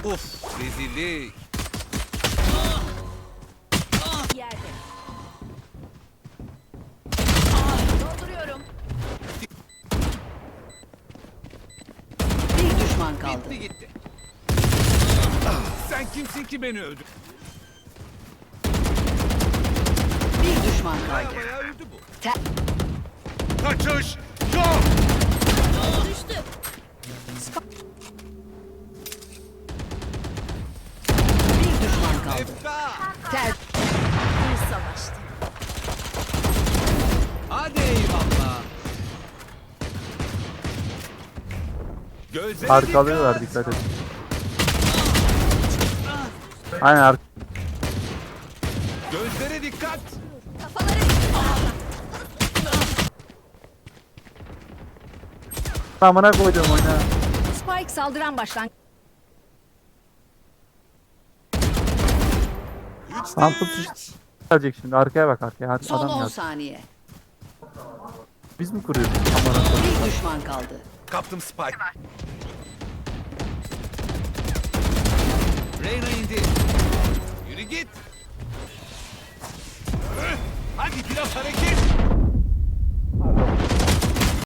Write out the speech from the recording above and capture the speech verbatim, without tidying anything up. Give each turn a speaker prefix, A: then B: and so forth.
A: Uf, rezillik.
B: Yerde. Dolduruyorum.
C: Bir düşman kaldı.
A: Bitti gitti. Sen kimsin ki beni öldür?
C: Bir düşman
A: Baya
C: kaldı.
A: baya öldü bu.
C: Te-
A: Kaçış yok.
B: Düştü.
C: Bir düşman kaldı.
A: Efta.
C: Ter
B: Bir savaştı.
A: Hadi eyvallah. Gözlere
D: Arkalıyorlar, dikkat et. Aynen ark.
A: Gözlere dikkat.
B: Kafaları.
D: Amına koydum oyna.
C: Spike saldıran başlan.
D: Tam tutuş gelecek şimdi. Arkaya bak, arkaya. Hadi,
C: Son
D: adam
C: on
D: geldi.
C: saniye.
D: Biz mi kuruyoruz? Amına koydum.
C: Bir düşman kaldı.
A: Kaptım Spike. Reyna indi.